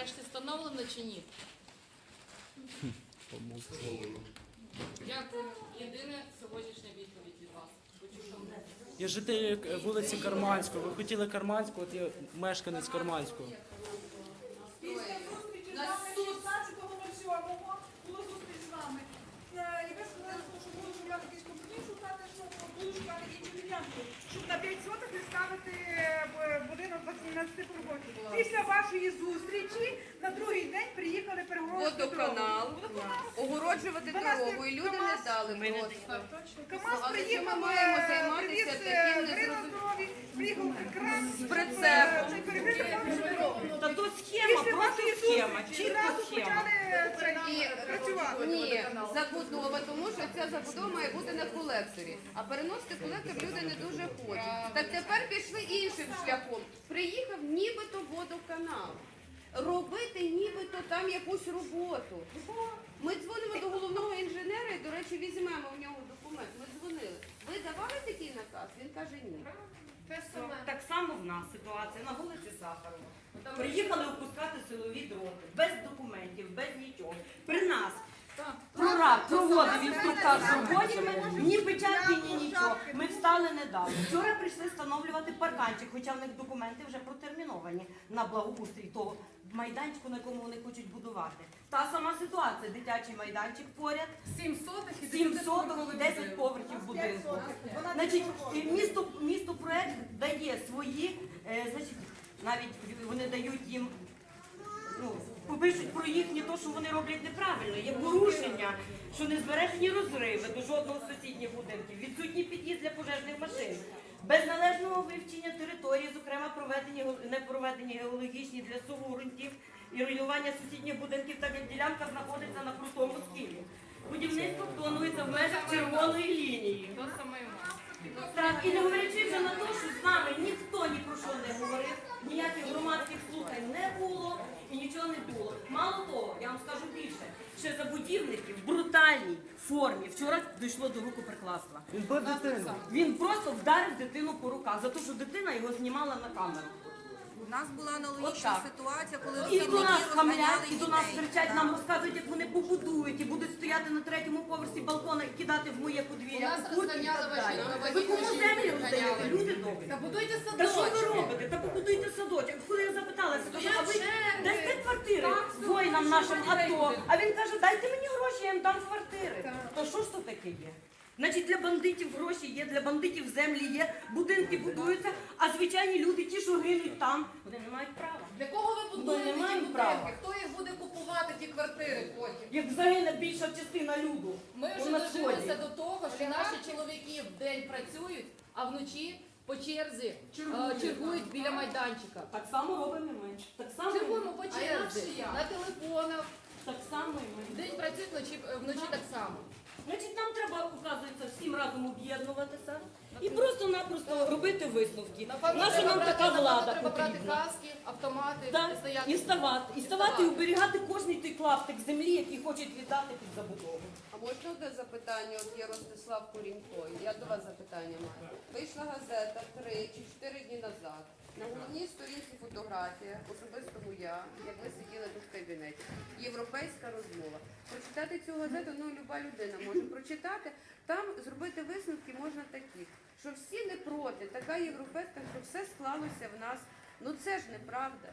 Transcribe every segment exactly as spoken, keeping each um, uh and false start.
нарешті встановлено чи ні? Дякую. Єдине сьогоднішня відповідь від вас. Я житель вулиці Карманського. Ви хотіли Карманського, от я мешканець Карманського. Після зустрічі з нами шістнадцятого сьомого було зустріч з нами. Е, І ви сказали, що буду шукати якийсь компроміс, шукати, що буду шукати іншу ділянку, щоб на п'ять соток не ставити е, будинок дванадцяти років. Після вашої зустрічі на другий день приїхали перегородити Водоканал, огороджувати дорогу, і люди не дали просто. КамАЗ Але чим приїхав, ми маємо е, займатися привіз, таким е, незрозумілим? здорові, приїхав кран З прицепом. е, цей перекритий кран. Та тут схема, Після просто вашої схема, зустрічі чітко зразу схема. почали цей, І працювати. ні, забудова, тому що ця забудова має бути на колекторі. А переносити колектор люди не дуже хочуть. Так тепер пішли іншим шляхом. Приїхав нібито водоканал. Робити нібито там якусь роботу. Ми дзвонимо до головного інженера і, до речі, візьмемо в нього документ. Ми дзвонили. Ви давали такий наказ? Він каже ні. Так само в нас ситуація на вулиці Сахарова. Приїхали опускати силові дроти, без документів, без нічого. При нас прораб проводив інструктаж з робочими, ні печатки, ні нічого. Ми встали, не дали. Вчора прийшли встановлювати парканчик, хоча в них документи вже протерміновані на благоустрій того майданчику, на якому вони хочуть будувати. Та сама ситуація, дитячий майданчик поряд, Сім сотих і сім соток, десять поверхів будинку. Значить, і місто, місто проект дає свої, е, значить, навіть вони дають їм, ну, попишуть про їхнє то, що вони роблять неправильно. Є порушення, що не збережені розриви до жодного з сусідніх будинків, відсутній під'їзд для пожежних машин, без належного вивчення території, зокрема проведені, не проведені геологічні для суву ґрунтів і руйнування сусідніх будинків, так як ділянка знаходиться на крутому схилі. Будівництво планується в межах червоної лінії. То саме і в нас. Так, і не говорячи вже на те, що з нами ніхто ні про що не говорив, ніяких громадських слухань не було і нічого не було. Мало того, я вам скажу більше, ще забудівники в брутальній формі вчора дійшло до рукоприкладства. Він бив дитину. Він просто вдарив дитину по руках за те, що дитина його знімала на камеру. У нас була аналогічна Отак. ситуація, коли І до робітники нас хамлять, розганяли і до нас дітей. кричать, нам розказують, як вони побудують і будуть стояти на третьому поверсі балкона і кидати в моє подвір'я. У нас кукурудзу і розганяли так ваші далі. нові Ви кому жінки, землю розганяли. роздаєте? Люди добрі. Та будуйте Та що ви садочки. робите? Та побудуйте садочок. Коли я запиталася, кажу, а ви черги. дасте квартири воїнам нашим АТО? А він каже, дайте мені гроші, я їм дам квартири. То що ж то таке є? Значить, для бандитів гроші є, для бандитів землі є, будинки будуються, а звичайні люди, ті, що гинуть там, вони не мають права. Для кого ви будуєте Ми не ті маємо будинки? права. Хто їх буде купувати, ті квартири потім? Як загине більша частина люду. Ми вже на дожилися сході. до того, що наші чоловіки вдень працюють, а вночі по черзі е, чергують біля майданчика. Так само робимо і ми. Так само і ми. Чергуємо по черзі, на телефонах. Так само і ми. Вдень працюють, вночі, вночі так само. Значить, нам треба, оказується, всім разом об'єднуватися і просто-напросто робити висновки. Напевно, Наша треба нам брати- така напевно, влада треба брати потрібна. каски, автомати, Так, і стояти. і ставати, і ставати, і оберігати кожний той клаптик землі, який хочуть віддати під забудову. А можна одне запитання? От є Ростислав Курінько. Я до вас запитання маю. Вийшла газета три чи чотири дні назад. На головній сторінці фотографія, особисто моя, як ви сиділи тут в кабінеті. Європейська розмова. Прочитати цю газету, ну, люба людина може прочитати. Там зробити висновки можна такі, що всі не проти, така європейська, що все склалося в нас. Ну це ж неправда.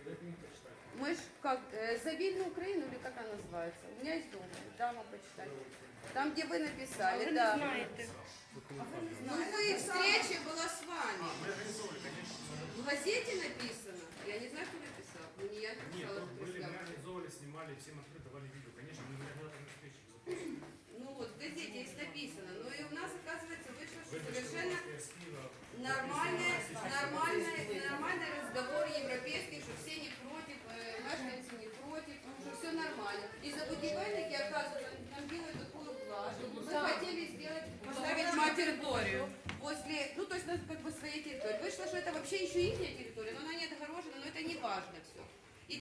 Мы ж как, э, за вильную Украину, или как она называется? У меня есть дома, дама почитать. Там, где вы написали, Ви да. не знаєте. Ну вы, встреча была с вами. В газете написано. Я не знаю, кто написал. Ну, не я Нет, написала, там что были, мы прислала. организовывали, снимали, всем открыто давали видео. Конечно, мы иногда там встречи. Ну вот, в газете есть написано. Но и у нас, оказывается, вышло, что Вы совершенно что, с Киева, нормальный, нормальный, нормальный разговор европейский, что все не против, э, мешканцы не против, что все нормально. И забудевальники, оказывается, нам делают такую блажь. Мы хотели сделать, поставить материторию возле, ну то есть у нас как бы своя территория. Вышло, что это вообще еще их территория, но она не отгорожена, но это не важно все.